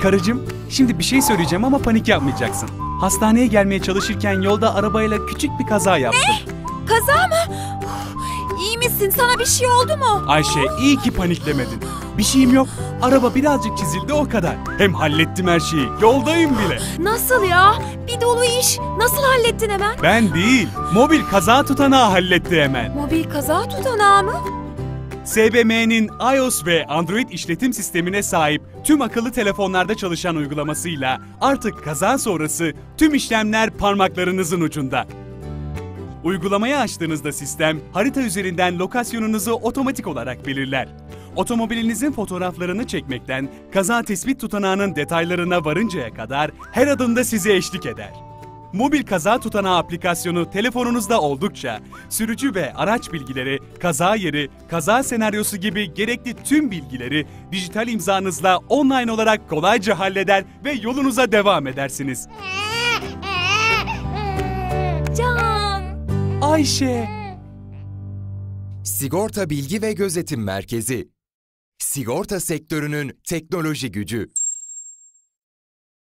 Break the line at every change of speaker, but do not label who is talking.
Karıcığım, şimdi bir şey söyleyeceğim ama panik yapmayacaksın. Hastaneye gelmeye çalışırken yolda arabayla küçük bir kaza yaptım.
Ne? Kaza mı? İyi misin? Sana bir şey oldu mu?
Ayşe, iyi ki paniklemedin. Bir şeyim yok. Araba birazcık çizildi, o kadar. Hem hallettim her şeyi. Yoldayım bile.
Nasıl ya? Bir dolu iş. Nasıl hallettin hemen?
Ben değil, mobil kaza tutanağı halletti hemen.
Mobil kaza tutanağı mı?
SBM'nin iOS ve Android işletim sistemine sahip tüm akıllı telefonlarda çalışan uygulamasıyla artık kaza sonrası tüm işlemler parmaklarınızın ucunda. Uygulamayı açtığınızda sistem harita üzerinden lokasyonunuzu otomatik olarak belirler. Otomobilinizin fotoğraflarını çekmekten kaza tespit tutanağının detaylarına varıncaya kadar her adımda size eşlik eder. Mobil kaza tutanağı aplikasyonu telefonunuzda oldukça sürücü ve araç bilgileri, kaza yeri, kaza senaryosu gibi gerekli tüm bilgileri dijital imzanızla online olarak kolayca halleder ve yolunuza devam edersiniz.
Can!
Ayşe!
Sigorta Bilgi ve Gözetim Merkezi. Sigorta sektörünün teknoloji gücü.